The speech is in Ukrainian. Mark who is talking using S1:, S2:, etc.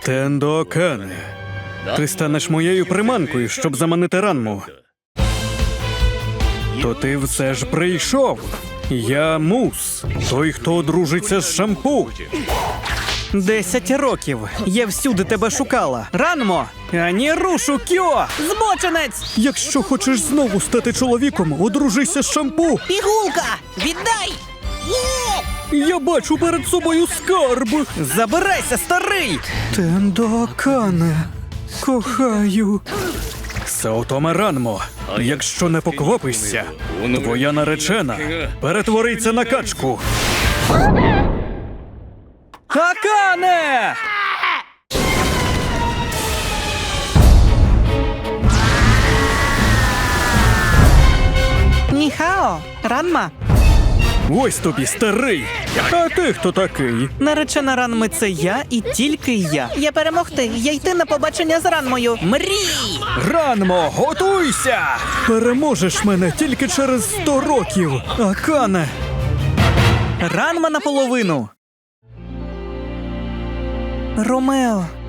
S1: Тендо Акане, ти станеш моєю приманкою, щоб заманити Ранму. То ти все ж прийшов. Я Мус, той, хто одружиться з Шампу.
S2: 10 років. Я всюди тебе шукала. Ранмо! Ані рушу, Кьо! Збочинець!
S1: Якщо хочеш знову стати чоловіком, одружися з Шампу.
S3: Пігулка! Віддай!
S1: Я бачу перед собою скарб.
S2: Забирайся, старий!
S1: Тендо Акане, кохаю. Саотоме Ранмо, якщо не поквапишся, твоя наречена перетвориться на качку.
S2: Акане! Ніхао, Ранма.
S1: Ось тобі, старий. А ти хто такий?
S2: Наречена Ранми – це я і тільки я. Я перемогти, я йти на побачення з Ранмою. Мрій!
S1: Ранмо, готуйся! Переможеш мене тільки через 100 років, Акане.
S2: Ранма наполовину. Ромео.